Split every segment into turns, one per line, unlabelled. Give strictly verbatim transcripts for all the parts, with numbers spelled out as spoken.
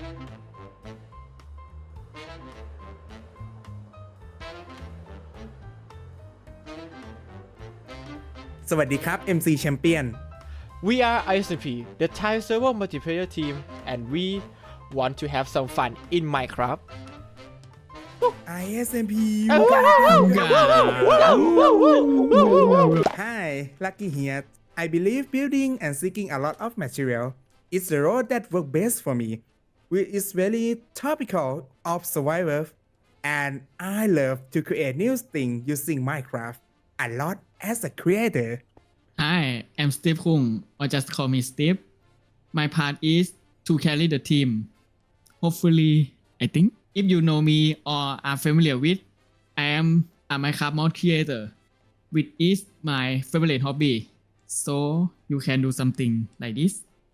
สวัสดีครับ เอ็ม ซี Champion
We are I S M P, the Thai server multiplayer team, and we want to have some fun in Minecraft.
ไอ เอส เอ็ม พี Hi Lucky here I believe building and seeking a lot of material is the road that works best for me which is very topical of survival and I love to create new things using Minecraft a lot as a creator
Hi, I'm Steve Kung, or just call me Steve. My part is to carry the team. Hopefully, I think, if you know me or are familiar with, I am a Minecraft mod creator, which is my favorite hobby. So you can do something like this.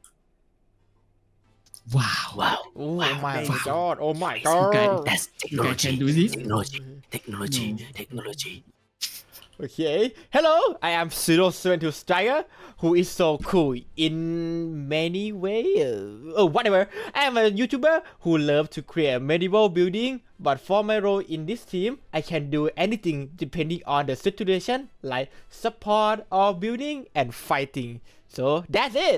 Wow.
Wow.
Oh
wow.
my
Wow.
god! Oh my
You guys,
god!
That's
you guys
technology.
can do this?
Technology. Technology.
No.
Technology.
Okay, hello, I am zero seven two Striker, who is so cool in many ways. Oh, whatever. I am a YouTuber who loves to create medieval building, but for my role in this team, I can do anything depending on the situation, like support or building and fighting. So that's it.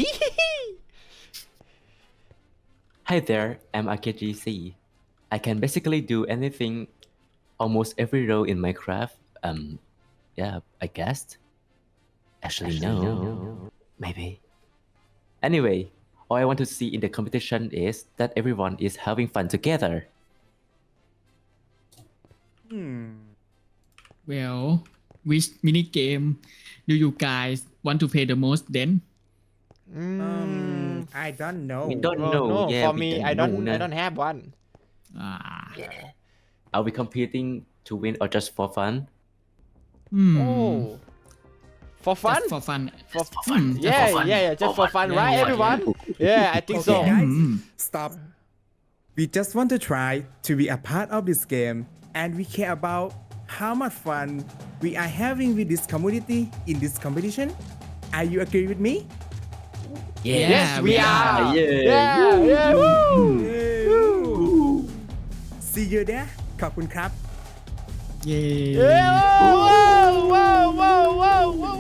Hi there, I'm A K G C. I can basically do anything, almost every role in Minecraft. Um, yeah, I guessed. Actually, no. no. Maybe. Anyway, all I want to see in the competition is that everyone is having fun together.
hmm.
Well, which mini game do you guys want to play the most then?
um, I don't know
We don't
Oh,
know.
no,
Yeah,
for
we
me,
don't
I don't,
know
I
na.
don't have one.
Ah.
Are we competing to win or just for fun?
Hmm.
Oh, for fun?
Just for fun.
For
fun. Hmm, just
Yeah,
for fun.
yeah, yeah, just for fun,
Yeah,
right,
yeah,
everyone?
yeah.
Yeah, I think
Okay,
so.
guys,
Hmm.
stop. We just want to try to be a part of this game, and we care about how much fun we are having with this community in this competition. Are you agree with me?
Yeah,
Yes, we
we
are.
are.
Yeah.
Yeah, yeah, woo.
See you there ขอบคุณครับ
Yay.
Yeah, whoa, whoa, whoa, whoa, whoa.